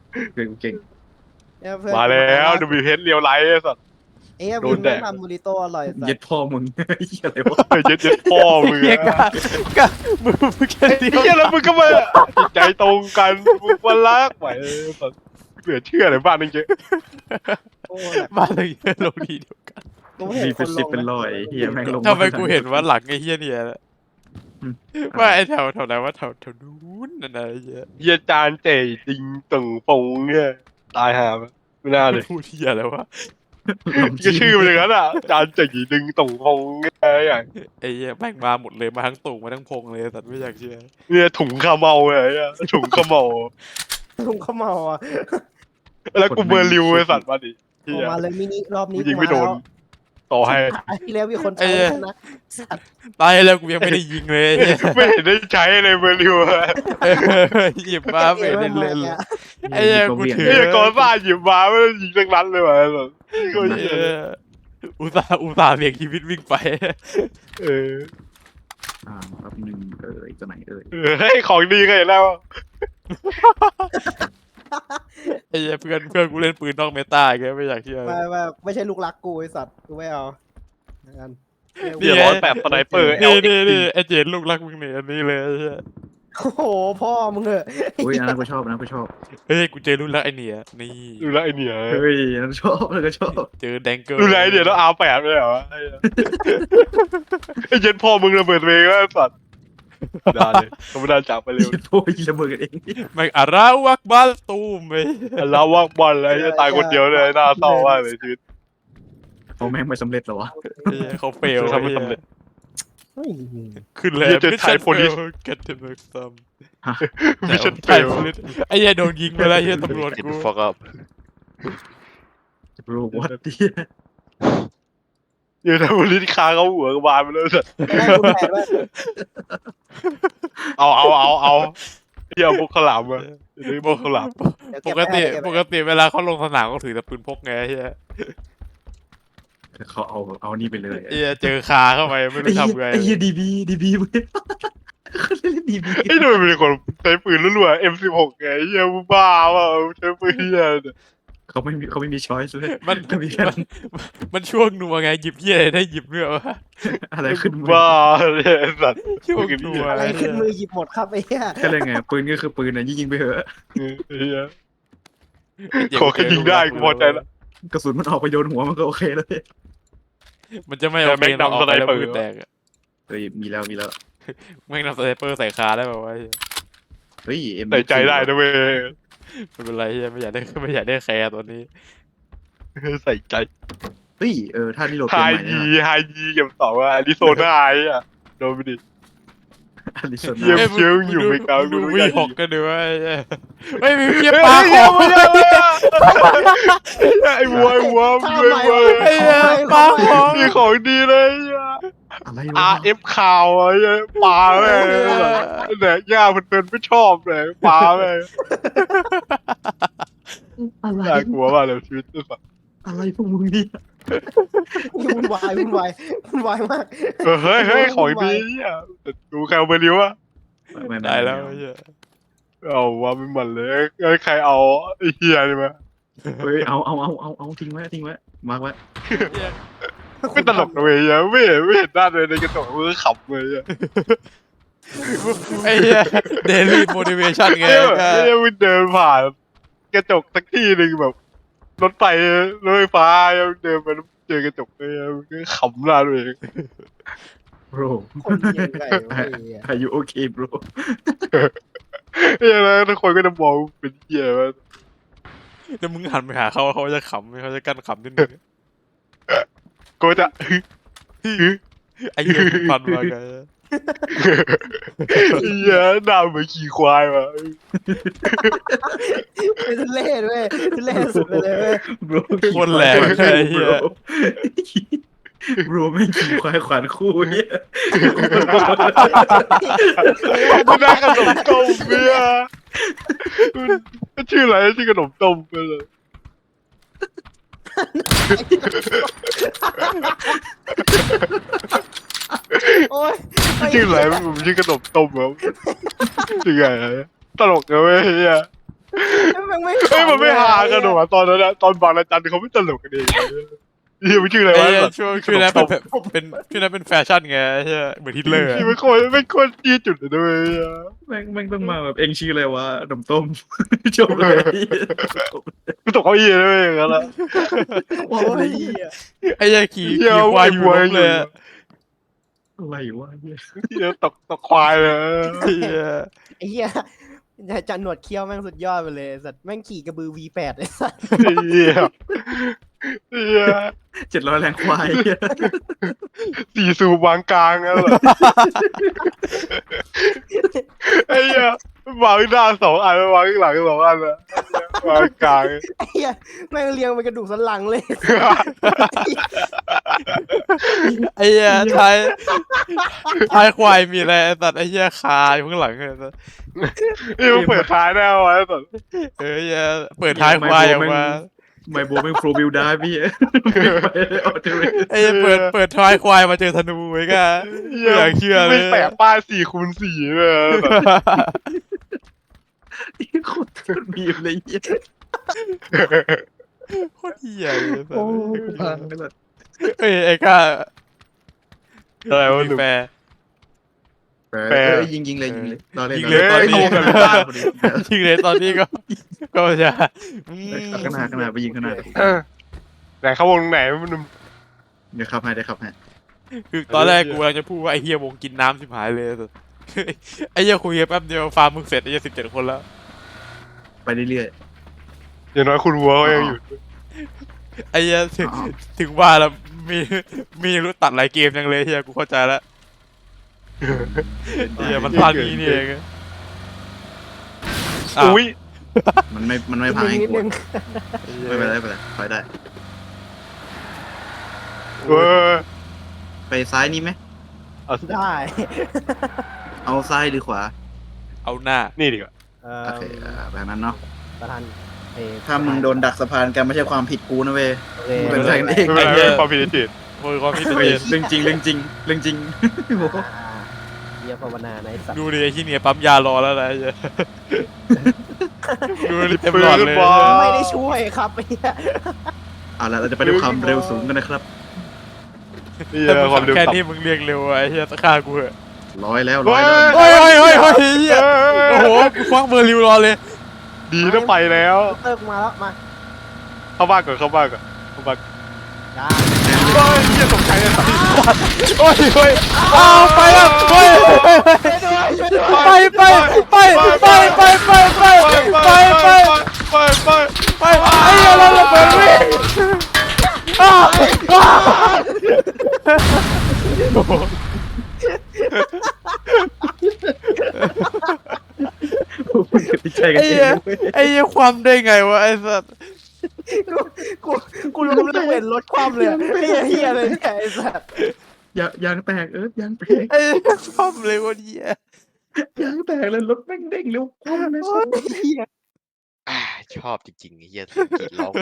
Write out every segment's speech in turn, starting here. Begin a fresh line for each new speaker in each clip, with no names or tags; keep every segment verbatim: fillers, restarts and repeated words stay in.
เก่งเก่ง
มาแล้วดูบีเพชรเรียวไลท์สัตว์
เอ้ยวินแม่งทำบูริโต้อร่อยสั
เย็
ส
ดพ่อมึงอะไรวะ
เย็ดเย็ดพ่อมึง
เฮีย
อะ
กะกะมึงมึงแค่เดียว
เฮียแล้วมึงก็มาจิตใจตรงกันมึงมารักไหวสัตว์เหลือเชื่อเลยบ้านนึงเจ๊
โอ้ย
บ้านเราเยอะลงดีเดียวกัน
กูไม่เห็
มี
นค
เป็น
นล
สิบ
ง
เป็น
นะ
ร้อยเฮียแม่งลง
ทำไมกูเห็นว่าหลังไอ้เฮียเนี่ยว่าไอ้แถวแถวไหนว่าแถวแถวนู้นนั่นอะไรเงี้ย
เฮียจานเจ๋จริงตึงปงเนี่ยตายหาไม่น่าเลย
พูดเฮียอะไรวะ
ก็ชื่อมันอย่างนั้นอ่ะจานเจ๋ดึงตึงปงเนี่ยอย่าง
ไอ้เฮียแม่งมาหมดเลยมาทั้งตุ่งมาทั้งพงเลยสัตว์ไม่อยากเชื่อ
เนี่ยถุงขมเมาเลยอะถุงขมเมา
ลุงเขาเมาอ่ะ
แล้วกูเบอร์ริวไอ้สัตว์มาดิเฮี
ออก
ย
มาเลยมินิรอบนี้
ยิงไม่โดน ต่อให้
ไอ้ที่แล้วมีคนใช้นะสัตว์
ตายแล้วกูยังไม่ได้ยิงเลยไอ้เหี้ย
ไม่เห็นได้ใช้เลยเบอร์ริวอะ
เออหยิบมาไม่ได้เล่นเลยไอ้เหี้ยกูถือ
เฮียกอซ่าหยิบมาไม่ได้ยิงสักนัดเลยว่ะไอ้สัตว์ก็
เอ
เหี้ย
ออุตส่าห์อุตส่าห์เบี่ยงชีวิตวิ่งไป
เออ
อ่าครับหนึ่งเอ่ยตัวไหนเอ่ย
เออเฮ้ยของดีก็เห็นแล้ว
ไอ้เหี้ยเพื่อนเพื่อนกูเล่นปืนนอกเมตาแกไม่อยากเชื่อ
ไม่ไม่ไม่ใช่ลูกรักกูไอ้สัตว์กูไม่เอางั้น
เดี๋ยวร้อยแปดสไนเปอร์
นี่
L
นี่นี่ไอ้เจนลูกรักมึงเนี่ยอันนี้เลยไอ้เหี้ย
โอ้โหพ่อมึงเหอะ
อุ้ยอันนั้นกูชอบอันนั้นกูชอบ
เฮ้ยกูเจอรุ่นรักไอ้เนี่ยนี่
ดูแลไอเนี่ย
เฮ้ยอันนั้นชอบอันนั้นก็ชอบ
เจอแดงเกิล
ดูแลไอเนี่ยต้องอาแปดไม่เหรอไอ้เหี้ยไอ้เย็นพ่อมึงระเบิดเองแล้วสัตว์ได้เลยเขาไม่ได้จับไปเร็ว
เหี้ยโอ้ยระเบิดกันเอง
แม่งอาราวักบัลตูมไป
แล้วว่างบอลเลยจะตายคนเดียวเลยน่าเศร้ามากเลยชีวิต
เอาแม่งไม่สำเร็จเหรอวะ
ไอ้เหี้ยเขาเฟล
ทำไม่สำเร็จ
เฮ้ย
ขึ้นแล้ว
เหี้ยเจอไทยโพลิส
กันเทมเมอร์ซัม
มิชชั่นเฟ
ไทย
ล
โพลิสไอ้เหี้ยโดนยิงไปแล้วไอ้เหี้ยตำรวจกู
ฟักอัพ
รู้วัดดิ
เดี๋ยวถ้าบริษคาเขาหัวกระบาลไปเลยสัตว์
ได้คุณแผนว่า
เอาเอาเอาเอาเที่ยวพวกขาวหลามอะเดี๋ยวพวกขาวหลาม
เดี๋ยว
ป
เบ
ก
ไว้
ติ
เบ
ป
ไว้
กติเวลาเขาลงสนามเขาถือแต่ปืนพกไงไอ้เหี้ย
เขาเอาเอานี่ไปเลย
ไอ้เหี้ยเจอคาเข้าไปไม่รู้ทำไง
ไอ้เหี้ยดีบีดีบีมึงเขาเล่นดีบี
ไอ้หน่วยเป็นคนใช้ปืนรัวๆ เอ็ม สิบหก ไงไอ้เหี้ยมึงบ้าเปล่าใช้ปืนเหี้ยเนี่ย
เขาไม่มีเขาไม่มีช้อยส์เลย
มัน
ก็มีแค่
มันมันช่วงนัวไงหยิบเหี้ยอะไรได้หยิบเนื้อวะ
อะไรขึ้นมือ
บ้าเลยไอ้สัตว์
ช่วงนัว
อะไรขึ้นมือหยิบหมดครับไอ้เหี้ย
ก็เลยไงปืนก็คือปืนนะยิงๆไปเถอะ
เออไอ้เหี้ยขอแค่ยิงได้กูพอใจละ
กระสุนมันออกไปโดนหัวมันก็โอเคแล้ว
มันจะไม่โอเคเราออกไปแล้วปืนแตกอะ
เฮ้ยมีแล้วมีแล้ว
แม่งนำสไนเปอร์ใส่คาได้ป่าวะ
เฮ้ยเอ็ม
ใส่ใจได้นะเว้ย
ไม่เป็นไรเหี้ยไม่อยากได้ไม่อยากได้แคร์ตัวนี้
ใส่ใจ
เฮ้ยเออถ้านี่โหลด
ไฮ
เกมใหม่
ยี
เนี่ย
ไฮยีเก็บสองว่าอาริโซนาไอ้อะโดนไปดิ
อลิซ
เยี่ยม
นา
เชียวอยู่ไม่กล้า
ดู
กู
วี
ไม่
ห
กล้า
กกันดูว่าเฮ้ยมีเหี้ย
เฮ้ย
ปลาของ
ไอ้วัวไอ้วัว
ท่า
ไอ้
ใหม่
วัว
ไอ้เหี้ยปลาของ
มีของดีเลย
อะไร
อา
วะ
ร์เอฟข่าวไอ้ปลาแม่เนี่ยย่าเพื่อนๆไม่ชอบเลยปลาแม่
อะไร
น่ากลัวมากเลยชีวิตไอ้สัส
อะไรพวกมึงเนี่ย
วุ่นวายวุ่นวายวุ่นวายมาก
เออเฮ้ยเฮ้ยของดีอ่ะดูใครเอาไปริ้วอ่ะ
ไม่ม่
ได้แล้วไอ้เหี้ย
เอาว่าไม่หมันเลยเอ้ยใครเอาไอ้เฮียนี่มา
เฮ้ยเอาเอาเอาเอาเอาทิ้งไว้ทิ้งไว้มาร์กไว้
ไม่ตลกเลยอ่ะไม่เห็นไม่เห็นหน้าเลยในกระจกมือขำเลยอ่ะ
ไอ้เหี้ยเดลี่โมดิเวชั่นไง
เอ้ยไอ้เหี้ยมึงเดินผ่านกระจกสักที่หนึ่งแบบรถไฟรถไฟฟ้าเดินไปเจอกระจกเลยมึงก็ขำหน้าตัวเอง
bro
คนเหี้ยไงวะไอ้เหี้ย
are you okay bro
เฮ้ยแล้วทุกคนก็จะมองเป็นเหี้ยว่า
แล้วมึงหันไปหาเขาเขาจะขำเขาจะกั้นขำนิดนึง
ก็จะ
ไอ้เหี้ยมึงฟันมาไง
เหี้ยหน้าเหมือนขี่ควายว่ะ
เป็นทุเล่ด้วยทุเล่สุดไปเลยเว้ย
bro
คนแหลกไอ้เหี้ย
bro ไม่ขี่ควายขวานคู่เนี่ย
มันน่าขนมต้มเนี่ยมันชื่ออะไรชื่อขนมต้มไปเลย
โอ้ย
ชื่ออะไรผมชื่อขนมต้มครับชื่อไงตลกนะเว้ยเฮีย
แม่งไม่
เฮ้ยมันไม่หากัน
ห
หรอวะตอนนั้นอะตอนบางระจันเขาไม่ตลกกันเองเฮียมันชื่ออะไร
ไอ้
วะ
เหี้ย
แบบ
ช่วงช่วงนั้นเป็นเป็นช่วงนั้นเป็นแฟชั่นไงไอ้เหี้ยเหมือนฮิตเลอร์อะ
ที่มันโคตรไม่โคตรจี้จุดเลยด้วย
แม่งแม่งต้องมาแบบเองชื่ออะไรวะนมต้มจบเลย
กูตกเก้าอี้เลยอย่างนั้นละ
โอ้ยเหี้ย
ไอ้เหี้ยขี่
เหี้ย
ขี่ควายอยู่
ไอ้
ล้มเลยอะ
อะไรวะเนี่ย
เฮียตกตกควายเลย
ไอ้เหี้ย
ไอ้เหี้ยจันหนวดเคี้ยวแม่งสุดยอดไปเลยสัตว์แม่งขี่กระบือ วี แปด ไอ้สัตว์
เฮียเฮีย
เจ็ดร้อยแรงควาย
สี่สูบวางกลางแล้วเหรอไอ้เหี้ยวางหน้าสองอันวางข้างหลังสองอันอะวางกลาง
ไอ้เหี้ยแม่งเรียงเป็นกระดูกสันหลังเลย
ไอ้เหี้ยท้ายท้ายควายมีอะไรไอ้สัตว์ไอ้เหี้ยคาอยู่ข้างหลังเลยสัตว์
นี่มันเปิดท้ายแน่วะไอ้สัส
เออไอ้เหี้ยเปิดท้ายควายออกมา
ไมโบแม่งโฟวิลได้พี่ออเทเร
ไอ้เหี้ยเปิดเปิดท้ายควายมาเจอธนูไว้ก็ไม่อยากเชื่อเลย
ไม่แปะป้ายสี่คูณสี่เลยแบบ
โคตรมีเลยเหี้ย
โคตรเหี้ยเลยสัต
โอ้
ว์
พังไปเลย
เอ้ยไอ้ก้า
อะไรวะห
มี
นุ่ม
แฟร์
แปรยิงยิงเลยยิงเลยรอเล่น
ยิงเลยตอนนี้
เฮ้ยเอากันเลย
จริงเลยตอนนี้ก็ก็จะอืม
ข้างหน้าข้างหน้าไปยิงข้างหน้า
เออไหนเข้าวงไหนมันหนุ่ม
เดี๋ยวขับให้ได้ขับให้
คือตอนแรกกูกำลังจะพูดว่าไอ้เฮียวงกินน้ำชิบหายเลยแต่ไอ้เฮียคุยกันแป๊บเดียวฟาร์มมึงเสร็จไอ้เฮียสิบเจ็ดคนแล้ว
ไปเรื่อย
อย่างน้อยคุณวัวก็ยังอยู่
ไอ้เฮียถึง
อ๋อ
ถึงว่าแล้วมีมีรู้ตัดหลายเกมจังเลยเฮียกูเข้าใจแล้ว
ๆ
เฮียมันพลาดนี้นี่เองอ้าว
อุ้ย
มันไม่มันไม่พัง
นิ
ให้
ด
กู
นึง
ไม่เป็นไรไม่เป็นไรไปได้
เออ
ไปซ้ายนี่ไหม
เอา
ได้
เอาซ้ายหรือขวา
เอาหน้า
นี่ดีกว่า
เอ่อ
โอเคอ่าแบบนั้นเนาะ
ประธานเอ่อ
ถ้ามึงโดนดักสะพานกันไม่ใช่ความผิดกูนะเว้ย
โอเค
เป็นไรกันเอง
ไม่เป็นไรไม่เป็นไรความผิดที่ผิด
โอ้ยความคิด
เฮ้ย
เห็น
เรื่องจริงเรื่องจริงเรื่องจริงโอ้โห
อ่าเยี่ยภาวนาในสัตว์
ดูดิไอ้ที่เนี่ยปั๊มยารอแล้วนะไอ้เหี้ยดูดิเต็ม
ปื
หลอด
น
เลย
บอล
ไม่ได้ช่วยครับไอ้เหี้ย
เอาละเราจะไปด้วยความเร็วสูงกันนะครับ
นี่
แต่
แห
มึ
ละ
ง
ความเร็ว
แค่
ต่ำ
นี้มึงเรียกเร็วอะไอ้เหี้ยตะฆ่ากูเหอะ
ร้อยแล้วร้อยแล้ว
เฮ้ยเฮ้ยเฮ้ยเฮ้ยเหี้ย
เออ
โอ้โหกูควักเบอร์ริวรอเลย
ดีนะไปแล้ว
เติร์กมาแล้วมา
เข้าบ้านก่อนเข้าบ้านก่อนเข้าบ้าน
จ้า
เฮ้ยเหี้ยตกใจเลยสัตว์
โอ้ยเฮ้ยอ้าวไปแล้วเฮ้ยเฮ้ยเฮ้ย
ช่วยด้วยช่วยด้วย
ไปไปไปไปไปไปไปไปไป
ไปไป
ไปไอ้เหี้ยเราระเบิดวิ่งอ้าวอ้าวโอ้โห
ติดใจกัน
ไอ้
เอ
เหี้ย
งเว้ย
ไอ้เหี้ยความได้ไงวะไอ้สัส
กูกูรู้แล้วเห็นรถคว่ำเลยอะไอ้เหี้ยเหี้ยเลยเนี่ยไอ้สัตว์
ยางยางแตกเออยางแตก
ไอ้เหี้ยความเลยวันเหี้ย
ยางแตกเลยรถแม่งเด้งเร็วคว่ำเลยสัส
ไอ้เหี้ย
อ่าชอบจริงๆไอ้เหี้ยเสียงกรีดร้องคน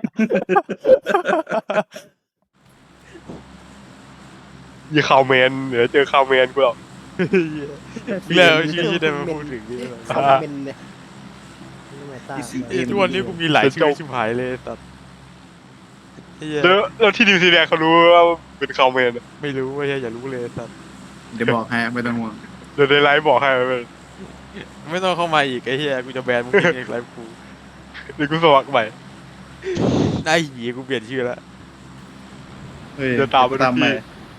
ยี่ข่าวแมนเดี๋ยวเจอข่าวแมนกูหรอก
แล้วชื่อที่ได้มาพูดถึงนี่
คอมเมนต์เนี่ยไม่ตาม
ไอ้ทุกวันนี้กูมีหลายชื่อชิบหายเลยสัสไอ้เหี้ย
แล้วแล้วที่นิวซีแลนด์เขารู้ว่าเป็นข่าวแมนอะ
ไม่รู้ว่าอย่ารู้เลยสัส
เดี๋ยวบอกให้ไม่ต้องห่วง
เดี๋ยวในไลฟ์บอกให้เลย
ไม่ต้องเข้ามาอีกไอ้เหี้ยกูจะแบนมึงเองไลฟ์กู
เดี๋ยวกูสมัครใหม่
ไอ้เหี้ยกูเปลี่ยนชื่อแล้ว
เฮ้ย
เดี๋ยวตามไปทุก
ตามไป
ที่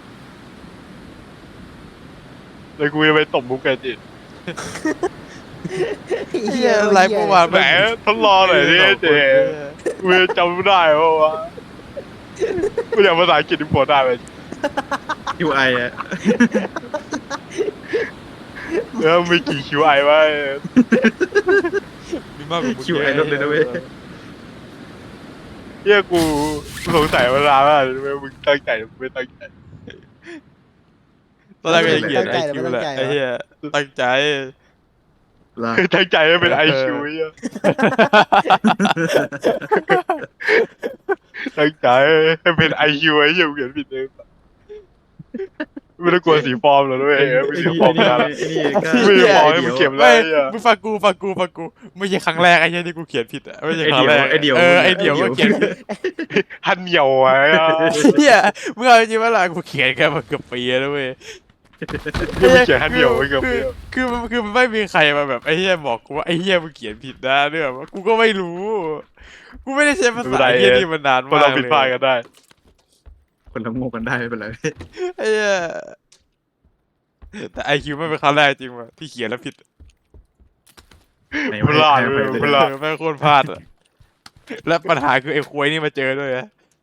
แล้วกูจะไปตบมุกแกจิต
ไอ้เหี้ยไลฟ์เมื่อวาน
ไหนทดลองหน่อยดิเจกูจะจำไม่ได้เพราะว่ากูอยากภาษาอังกฤษที่พอได้ไหม
คิวไออะ
แล้วมีกี่คิวไอวะ
มีมากกว่ามึง
คิวไอรถเลยนะเว้ย
เฮียกูกูสงสัยมานานแล้วทำไมมึงตั้งใจหรือไม่ตั้งใจ
ตอนแรกก็จะเขียนไอคิวแหละไอ้เหี้ยตั้งใจ
ล่ะ
คือตั้งใจให้เป็นไอคิวเฮียตั้งใจให้เป็นไอคิวไอ้เหี้ยกูเขียนผิดเองกูไม่ต้องกลัวสีฟอร์มหรอกด้วย
ไอ้
เออไม่สีฟอร์ม
นี่
นะ
ไอ้นี่ก็
ไม่ได้บอกให้มึงเก็บ
ไม่
เลยอ่ะ
มึงฟังกูฟังกูฟังกูไม่ใช่ครั้งแรกไอ้เหี้ยที่กูเขียนผิดอะไม่ใช่ครั้งแรก
ไอ้เดี่ยว
เออ
ไอ้
ไอ้
เดี่
เดี่ย
ยว ว
ก็เขียนผิด
ฮันเหนียวไว้อะ
เหี้ยเมื่อจริงๆว่าล่ะกูเขียนแค่มาเกือบปีแล้วเว้ย
ยังไม่เขียนฮันเหนียวไว้เกับ
คือคือมันคือมันไม่มีใครมาแบบไอ้เหี้ยบอกกูว่าไอ้เหี้ยมึงเขียนผิดนะเนี่ยว่ากูก็ไม่รู้ กูไม่ได้ใช้ภาษาเหี้ยนี่มันนาน
คน
มาก
เรา
เล
ผิดพลาด
ย
กันได้
คนละโง่กันได้ไม่เป็นไร
ไอ้เหี้ยแต่ไอคิวไม่เป็นครั้งแรกจริงว่ะที่เขียนแล้วผิด
ไหน
พลาด
ให้
เล
ให้
ย
ไป
พ
เลย
ลาด
เออแม่งโคตรพลาดอ่ะและปัญหาคือไอ้ควยนี่มาเจอด้วยอะ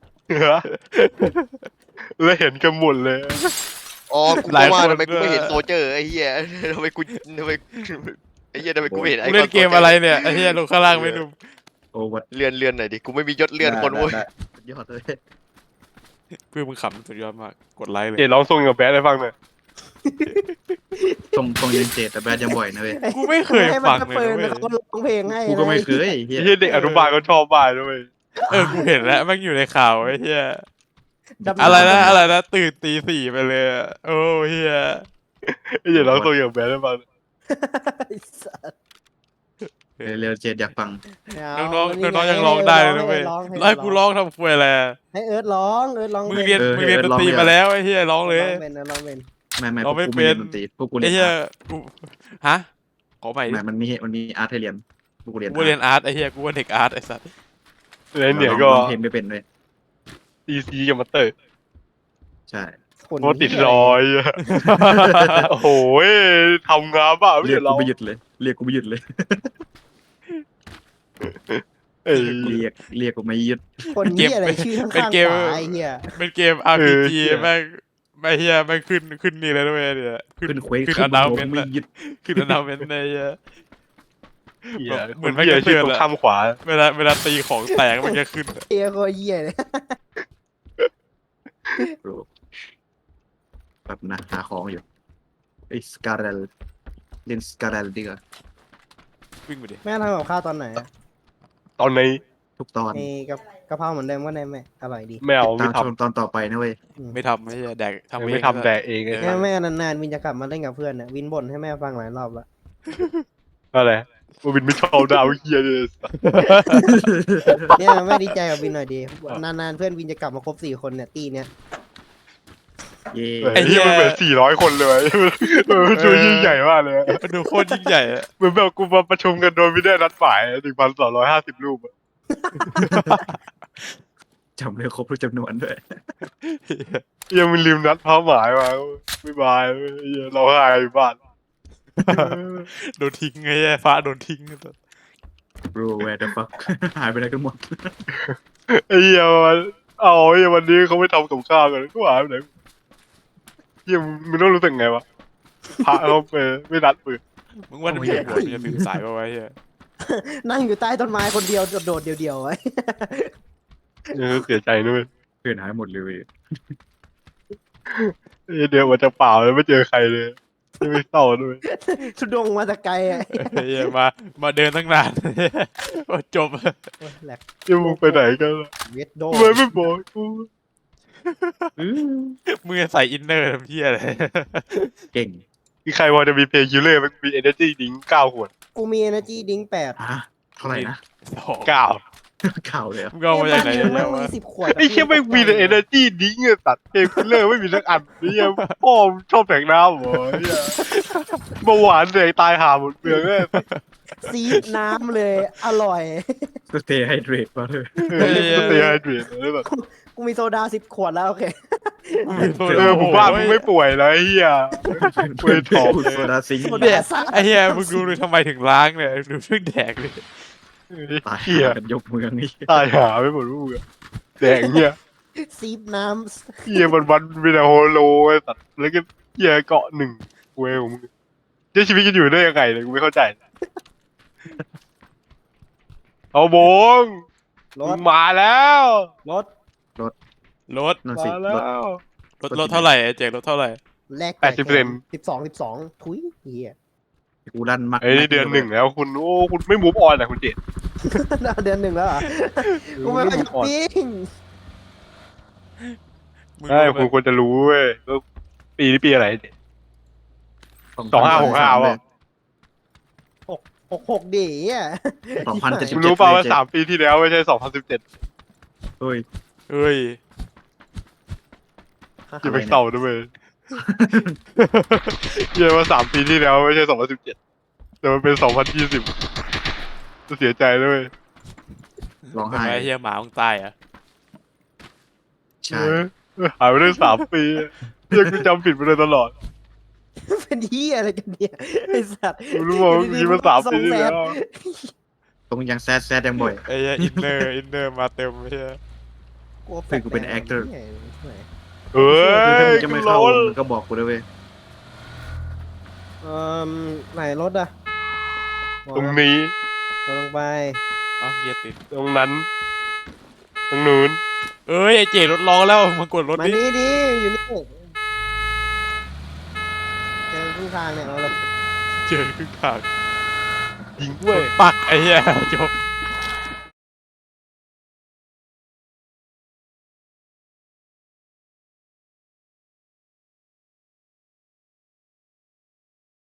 แล้วเห็นกันหมดเลย
อ๋อกู
หลาย
ก็ว่า
คน
ทำไมกูไม่เห็น
ด้วย
โซเจอร์ไอ้เหี้ยทำไมกูทำไมไอ้เหี้ยทำไมกูไม่เห็นไอ้
กูเล่นเกมอะไรเนี่ยไอ้เหี้ยลงข้างล่างไม่ดู
โอ้วัด
เลื่อนเลื่อนหน่อยดิกูไม่มียศเลื่อนคนเว้ย
ได้ได้ยอดเลย
เพื่อนมึงขำสุดยอดมากกดไลค์เลย
เจร้องทรงกับแบดให้ฟังหน่อย
ตรงตรงยังเจตแต่แบดยังบ่อยนะเว้ย
กูไม่เคย
ให้
ฟัง
มัน
เลย
เปิด
นะเว้ย
เขาร้องเพลงให้
กูก็ไม่เคยเฮีย
ไอ้เหี้ยเด็กอนุบาลก็ชอบบ้านด้วย
เออกูเห็นแล้วแมันอยู่ในข่าวไอ้เหี้ย
ดำๆ
อะไรนะอะไรนะตื่นตีสี่ไปเลยอะโอ้เหี้ย
ไอ้เจร้องทรงกับแบดให้ฟัง
ไอ้สัส
เร็วๆเจตอยากฟัง
ไม่
น้
เา
องๆ
นี่
น้องๆยัง
ให้
ร้องได้เลยนะ
ให้
เว้ย
ร้องให้
แล้วให้กูร้องทำควยอะไรอะ
ให้เอิร์ธร้องเอิร์ธร้อง
มึง
พล
เรียน
เออ
มึงเรียน
เอ
ด
อน
ตรี
ร้องเลย
มาแล้วไอ้เหี้ยร้องเลย
ร้องเป็นนะร้องเป็น
ไม่ไม่
เรา
พวก
ไม่
กู
เป็
ไม่
น
เรียนดนตรีพวกกูเรี
ไอ้
ยน
เหี้ย
อาร์ต
กูฮะขอใหม่ดิ
ไม่มันมีมันมีอาร์ตให้เรียนพวกกูเรียน
กูเรียนอาร์ตไอ้เหี้ยกูว่าเด็กอาร์ตไอ้สัส
แล้วเนี่ยก็
ร้องเพลงไม่เป็นเลย
ตีซีกับมาเตอร์
ใช่
คน
โคตรติดรอยอะโอ้โหทำงานบ้าไม่
เรียก
ใช่
กู
เรา
ไม่หยุดเลย เรียกกูไม่หยุดเลย
เอ้ย
เรียกเรียกกูไม่หยุด
คนเหี้ยอะไรชื่อข้างๆขวาไอ้เหี้ย
เป็นเกม อาร์ พี จี
เออเหี้ย
แม่งไม่เหี้ยแม่งขึ้นขึ้นนี่เลยด้วยเนี่ย
ขึ้นเควส
ขึ้น
ขึ้
อั
น
นดาว
โม
เมนต์
ไม่หยุด
ขึ้นอันดาวเมนต์ในเหี้ย
เหี้ย
เหมือนไม่
เหี้ย
กระเทื
ชื่อ
อน
ตรง
อะ
ข้ามขวา
เวลาเวลาตีของแตกมันจะขึ้นอะ
เหี้ยโคตรเหี้ยเลย
แบบนะหาของอยู่ไอ้สกาเรลเล่นสกาเรลดีกว่า
วิ่งไปดิ
แม่ทำกับข้าวตอนไหนอะ
ตอนนี้
ทุกตอน
ไอ้กับกะเพราเหมือนเดิมก็ได้ไหมอร่อยดี
ไม่เอา
ตา
ไม่
ม
ท
ชมตอนต่อไปนะเว้ย
ไม่ทำไม่ใช่แดก
ำ
ทำเอง
ไม่ทำแดกเองไง
แม่แม่นานๆวินจะกลับมาเล่นกับเพื่อนเนี่ยวินบ่นให้แม่ฟังหลายรอบแล้ว
อะไรว่าวินไม่ชอบดาวเฮียเลย
เนี่ยแม่ดีใจกับวินหน่อยดีนานๆเพื่อนวินจะกลับมาครบสี่คนเนี่ยตีเนี่ย
เย่
ไอ้เฮียมันเหมือนสี่ร้อยคนเลยเออดูยิ่งใหญ่มากเลย
มันดูโคตรยิ่งใหญ่อะ
เหมือนแบบกูมาประชุมกันโดยไม่ได้นัดหมายหนึ่งพันสองร้อยห้าสิบรูปอะ
จำเลยครบทุกจำนวนด้วย
เฮียมันลืมนัดเป้าหมายมาไม่บายเฮียเราหายอยู่บ้าน
โดนทิ้งไงแย่ฟ้าโดนทิ้ง
bro where the fuck หายไปไหนกันหมด
ไอ้เฮียมันเอาไอ้เฮียวันนี้เขาไม่ทำกับข้าวกันก็หายไปไหนเฮียมึงต้องรู้สึกไงวะพระเขาไปไม่นัดปืน
มึงว่าจะมีหัวมันจะถึงสายป่าววะเฮีย
นั่งอยู่ใต้ต้นไม้คนเดียวโดดๆเดียวๆไว้
เออเสียใจด้วย
เพื่อนหายหมดเลยเว้ย
เอ้ยเดี๋ยวมันจะเปล่าเลยไม่เจอใครเลยไม่เศร้าด้วย
ทุดงมาแต่ไกลอะ
เฮียมามาเดินตั้งนาน โอ้จบ
แหลก
เดี๋ยวมึงไปไหนกันล่ะ
เวทโด
ทำไมไม่บอกกู
อื้อ
มึงจะใส่อินเนอร์ทำเฮียอะไร
เก่ง
มีใครพอจะมีเพลงคิลเลอร์มันมี energy ดิ้งเก้าขวด
กูมี energy ดิ้งแปด
ฮะเท่าไหร่นะ
สอง
เก้า
ข่าวเลยเหรอ
มึงเอามาจากไหน
เอ้ย
เนี่
บ้าย นมึง
วะ
มีสิบขวด
ไอ้เชี่ยไม่มีแต่ energy ดิ้งอะตัดเพลงคิลเลอร์ไม่มีสักอันนี่ยังพ่อมงชอบแต่งน้ำเหรอเหี้ยเบาหวานเด็กตายหาหมดเปลืองเลย
ซีดน้ำเลย อร่อย
ก็ stay hydrate มาเลย
เออก็เสียให้เปลี่ยนเลยแบบ
กูมีโซดาสิบขวดแล้วโอเค
เออผมว่ามึงไม่ป่วยแล้วไอ้เหี้ย เว้ยถอด
โซดาซิงค์
โซ
เนี่ย
ดาซ่า
ไอ้เฮียมึงดูเลยทำไมถึงล้างเนี่ยดูเพิ่งแดกเลย
ตาย
เหี้ย
กันยกเมืองนี่
ตายหาไม่หมดลูกอะแดงเหี้ย
ซีดน้
เหี้ยมันวันมีแต่โฮโลไอ้สัตว์แล้วก็เหี้ยเกาะหนึ่งเว้ยของมึงเจ้าชีวิตจะอยู่ได้ยังไงเนี่ยกูไม่เข้าใจเอาบง
ำร
มึ
ถ
งมาแล้ว
รถ
รถ
นั่น
มา
สิ
แล้
รถ
ว
รถรถเท่าไหร่ไอ้เจ๊รถเท่าไหร่
แลก
แปดสิบเปอร์เซ็นต์
สิบสองสิบสองทุยเฮีย
กูรันมัก
ไอ้ยเดือนหนึ่งแล้วคุณโอ้คุณไม่มูฟออนอ่ะคุณเจต
เดือนหนึ่งแล้วเหรอกูไม่ไปช้อปปิ้ง
มึง
ใช่
รู้ไหม
คุณควรจะรู้เว้ยก็ปีนี้ปีอะไร สองห้าหกห้า
เล
วะ
ย
หกหกหกดีอ่ะ
สองพันเจ็ดสิบ
มึงรู้เปล่าว่าสามปีที่แล้วไม่ใช่สองพันสิบเจ็ด
เฮ้ย
เฮ้ย
อย่าไปเศร้าด้วยเยี่ยว่าสามปีที่แล้วไม่ใช่สองพันสิบเจ็ดแต่มันเป็นสองพันยี่สิบจะเสียใจด้วย
ร้อง
ทำ
ไห้
ไมไอ้เฮียหมามึงตายอ่ะ
ใช่
เออหายไปได้สามปีเยี่ยกูจำผิดไปเลยตลอด
เป็นที่อะไรกันเนี่ยไอ้สัตว์
กูรู้ว่ามันมีมาสามปีที่แล้ว
ตรงยังแซดแซดยังบ่อย
ไอ้เฮียอินเนอร์อินเนอร์มาเต็มไอ้เฮีย
กลัวแฟล
เฮ้ย
ช
กูเป็น
แบ
actor
เนี่ย
เฮ้
คือถ้าย มึงจะไม่เข้า
กูร้อน
มึงก็บอกกูด้วยเว้ย
เอ่อไหนรถอ่ะ
ตรงนี้
ลงไป
เอ้าเฮียติด
ตรงนั้น ตรงนู้น
เอ้ยไอ้เจ๋รถร้องแล้วมากดรถ
มา
ดิ
นี่ดิอยู่นี่เจอครึ่งทางเนี่ยเอาเลย
เจอครึ่งทาง
ยิงด้วย
ปักไอ้เฮียจบ